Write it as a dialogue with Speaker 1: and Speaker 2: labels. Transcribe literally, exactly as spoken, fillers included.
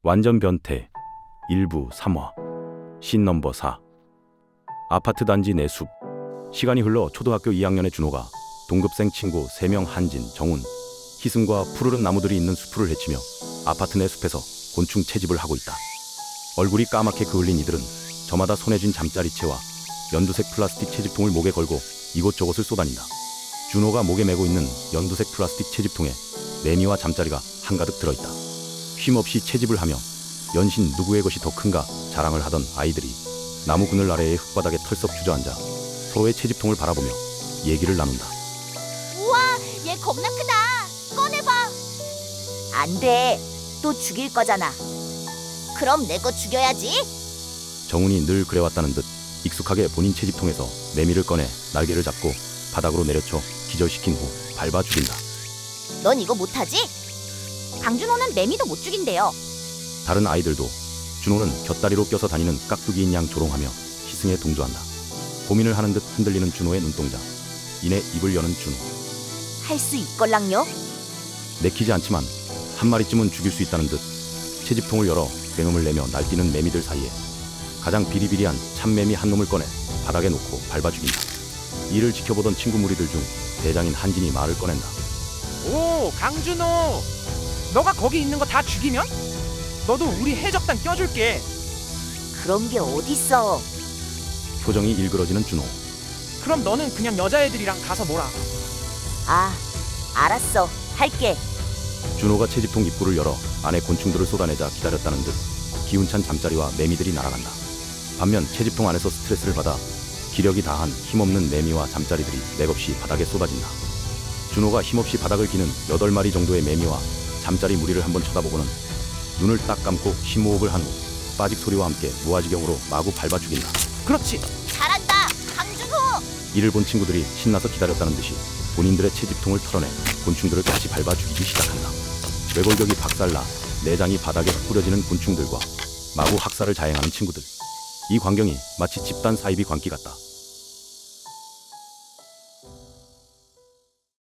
Speaker 1: 완전 변태 일부 삼 화 씬 넘버 사. 아파트 단지 내 숲. 시간이 흘러 초등학교 이 학년의 준호가 동급생 친구 세 명 한진, 정훈, 희승과 푸르른 나무들이 있는 숲을 헤치며 아파트 내 숲에서 곤충 채집을 하고 있다. 얼굴이 까맣게 그을린 이들은 저마다 손에 쥔 잠자리채와 연두색 플라스틱 채집통을 목에 걸고 이곳저곳을 쏘다닌다. 준호가 목에 메고 있는 연두색 플라스틱 채집통에 매미와 잠자리가 한가득 들어있다. 쉼없이 채집을 하며 연신 누구의 것이 더 큰가 자랑을 하던 아이들이 나무 그늘 아래의 흙바닥에 털썩 주저앉아 서로의 채집통을 바라보며 얘기를 나눈다.
Speaker 2: 우와, 얘 겁나 크다. 꺼내봐. 안 돼. 또 죽일 거잖아. 그럼 내 거 죽여야지.
Speaker 1: 정훈이 늘 그래왔다는 듯 익숙하게 본인 채집통에서 매미를 꺼내 날개를 잡고 바닥으로 내려쳐 기절시킨 후 밟아 죽인다.
Speaker 2: 넌 이거 못하지? 강준호는 매미도 못 죽인대요.
Speaker 1: 다른 아이들도 준호는 곁다리로 껴서 다니는 깍두기인 양 조롱하며 희승에 동조한다. 고민을 하는 듯 흔들리는 준호의 눈동자. 이내 입을 여는 준호.
Speaker 2: 할 수 있걸랑요?
Speaker 1: 내키지 않지만 한 마리쯤은 죽일 수 있다는 듯 채집통을 열어 굉음을 내며 날뛰는 매미들 사이에 가장 비리비리한 참매미 한 놈을 꺼내 바닥에 놓고 밟아 죽인다. 이를 지켜보던 친구 무리들 중 대장인 한진이 말을 꺼낸다.
Speaker 3: 오, 강준호, 너가 거기 있는 거 다 죽이면 너도 우리 해적단 껴줄게.
Speaker 2: 그런 게 어딨어.
Speaker 1: 표정이 일그러지는 준호.
Speaker 3: 그럼 너는 그냥 여자애들이랑 가서 놀아.
Speaker 2: 아, 알았어. 할게.
Speaker 1: 준호가 채집통 입구를 열어 안에 곤충들을 쏟아내자 기다렸다는 듯 기운찬 잠자리와 매미들이 날아간다. 반면 채집통 안에서 스트레스를 받아 기력이 다한 힘없는 매미와 잠자리들이 맥없이 바닥에 쏟아진다. 준호가 힘없이 바닥을 기는 여덟 마리 정도의 매미와 잠자리 무리를 한번 쳐다보고는 눈을 딱 감고 심호흡을 한 후 빠직 소리와 함께 무아지경으로 마구 밟아 죽인다.
Speaker 3: 그렇지.
Speaker 2: 잘한다. 강준호.
Speaker 1: 이를 본 친구들이 신나서 기다렸다는 듯이 본인들의 채집통을 털어내 곤충들을 같이 밟아 죽이기 시작한다. 외골격이 박살나 내장이 바닥에 뿌려지는 곤충들과 마구 학살을 자행하는 친구들. 이 광경이 마치 집단 사이비 광기 같다.